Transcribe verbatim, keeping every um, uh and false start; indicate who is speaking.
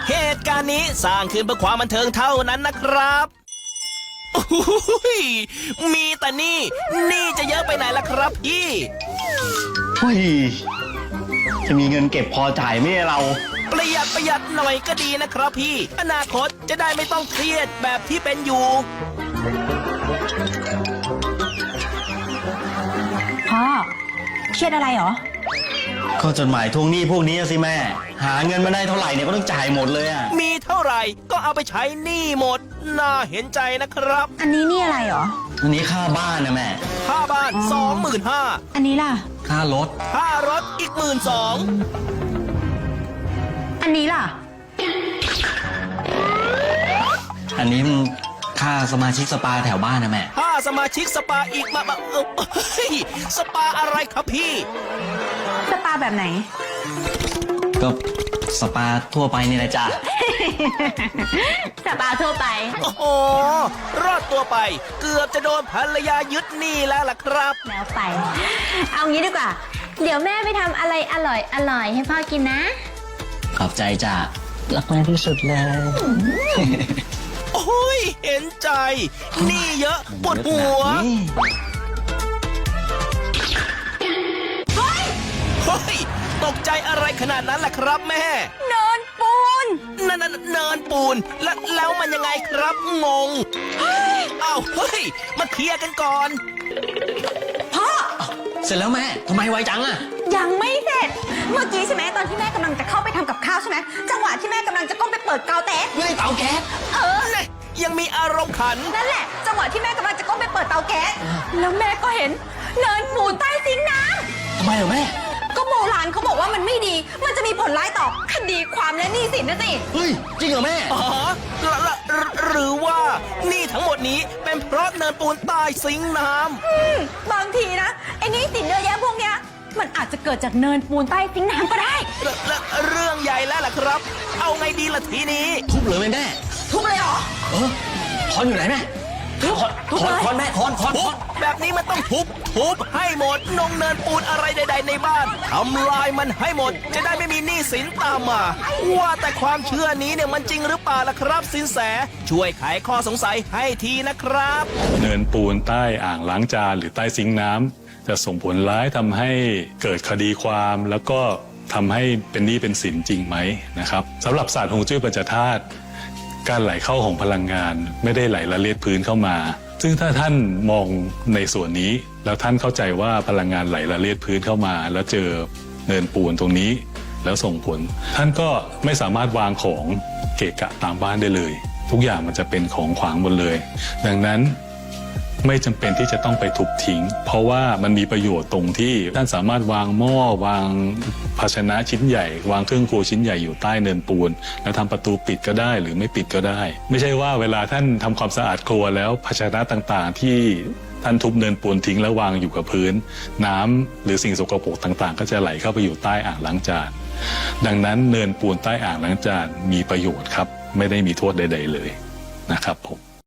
Speaker 1: เหตุการณ์นี้สร้างขึ้นเพื่อความบันเทิงเท่านั้นนะครับโอ้โหมีแต่นี่นี่จะเยอะไปไหนล่ะครับพี่
Speaker 2: เฮ้ยจะมีเงินเก็บพอจ่ายไหมเรา
Speaker 1: ประหยัดประหยัดหน่อยก็ดีนะครับพี่อนาคตจะได้ไม่ต้องเครียดแบบที่เป็นอยู่
Speaker 3: พ่อเครียดอะไรเหรอ
Speaker 2: ก็จดหมายทวงหนี้พวกนี้สิแม่หาเงินมาได้เท่าไหร่เนี่ยก็ต้องจ่ายหมดเลยอ่ะ
Speaker 1: มีเท่าไหร่ก็เอาไปใช้หนี้หมดน่าเห็นใจนะครับ
Speaker 3: อันนี้นี่อะไรเหรอ
Speaker 2: อันนี้ค่าบ้านนะแม่
Speaker 1: ค่าบ้านสองหมื่นห้า
Speaker 3: อันนี้ล่ะ
Speaker 2: ค่ารถ
Speaker 1: ค่ารถอีกหมื่นสอง
Speaker 3: อันนี้ล่ะ
Speaker 2: อันนี้ค่าสมาชิกสปาแถวบ้านนะแม่
Speaker 1: ค่าสมาชิกสปาอีกมามาเออเฮ้ยสปาอะไรครับพี่
Speaker 3: สปาแบบไหน
Speaker 2: ก็สปาทั่วไปนี่แหละจ้ะ
Speaker 3: สปาทั่วไป
Speaker 1: โอ้โหรอดตัวไปเกือบจะโดนภรรยายึดหนี้แล้วล่ะครับ
Speaker 3: แล้วไปเอางี้ดีกว่าเดี๋ยวแม่ไปทำอะไรอร่อยอร่อยให้พ่อกินนะ
Speaker 2: ขอบใจจ้ะรักแม่ที่สุดเลย
Speaker 1: โอ้ยเห็นใจหนี้เยอะปวดหัวเฮ้ยเฮ้ยตกใจอะไรขนาดนั้นล่ะครับแม่
Speaker 3: เนินปูน
Speaker 1: นั่นนั่นเนินปูนแล้วแล้วมันยังไงครับงงเอ้าเฮ้ยมาเคลียร์กันก่อน
Speaker 3: พ่อ
Speaker 2: เสร็จแล้วแม่ทำไมไวจังอะ
Speaker 3: ยังไม่เสร็จเมื่อกี้ใช่ไหมตอนที่แม่กำลังจะเข้าไปทำกับข้าวใช่ไหมจังหวะที่แม่กำลังจะก้มไปเปิดเตาแก๊ส
Speaker 2: ไม่เตาแก๊ส
Speaker 3: เออ
Speaker 1: ยังมีอารมณ์ขัน
Speaker 3: นั่นแหละจังหวะที่แม่กำลังจะก้มไปเปิดเตาแก๊สแล้วแม่ก็เห็นเนินปูนใต้ซิงค์น้
Speaker 2: ำทำไมเหรอแม่
Speaker 3: ก็โบราณเขาบอกว่ามันไม่ดีมันจะมีผลร้ายต่อคดีความและหนี้สินนะสิ
Speaker 2: เฮ้ยจริงเหรอแม่
Speaker 1: อ๋อหรือว่านี่ทั้งหมดนี้เป็นเพราะเนินปูนใต้ซิงค์น้
Speaker 3: ำบางทีนะไอ้หนี้สินเยอะแยะพวกเนี้ยมันอาจจะเกิดจากเนินปูนใต้ซิงค์น้ำก็ได้
Speaker 1: เรื่องใหญ่แล้วล่ะครับเอาไงดีล่ะทีนี้
Speaker 2: ทุบเลยแม่แม่
Speaker 3: ทุบเลยเหรอ
Speaker 2: เออคอนอยู่ไหนแม่ทุบทุบคอนแม่คอนคอน
Speaker 1: แบบนี้มันต้องทุบทุบให้หมดนงเนินปูนอะไรใดๆในบ้านทำลายมันให้หมดจะได้ไม่มีหนี้สินตามมาว่าแต่ความเชื่อนี้เนี่ยมันจริงหรือเปล่าล่ะครับสินแสช่วยไขข้อสงสัยให้ทีนะครับ
Speaker 4: เนินปูนใต้อ่างล้างจานหรือใต้ซิงค์น้ำจะส่งผลร้ายทำให้เกิดคดีความแล้วก็ทำให้เป็นหนี้เป็นสินจริงไหมนะครับสำหรับศาสตร์ฮวงจุ้ยปัญจธาตุการไหลเข้าของพลังงานไม่ได้ไหลละเลียดพื้นเข้ามาซึ่งถ้าท่านมองในส่วนนี้แล้วท่านเข้าใจว่าพลังงานไหลละเลียดพื้นเข้ามาแล้วเจอเนินปูนตรงนี้แล้วส่งผลท่านก็ไม่สามารถวางของเกะกะตามบ้านได้เลยทุกอย่างมันจะเป็นของขวางหมดเลยดังนั้นไม่จำเป็นที่จะต้องไปทุบทิ้งเพราะว่ามันมีประโยชน์ตรงที่ท่านสามารถวางหม้อวางภาชนะชิ้นใหญ่วางเครื่องครัวชิ้นใหญ่อยู่ใต้เนินปูนแล้วทำประตูปิดก็ได้หรือไม่ปิดก็ได้ไม่ใช่ว่าเวลาท่านทำความสะอาดครัวแล้วภาชนะต่างๆที่ท่านทุบเนินปูนทิ้งแล้ววางอยู่กับพื้นน้ำหรือสิ่งสกปรกต่างๆก็จะไหลเข้าไปอยู่ใต้อ่างล้างจานดังนั้นเนินปูนใต้อ่างล้างจานมีประโยชน์ครับไม่ได้มีโทษใดๆเลยนะครับผม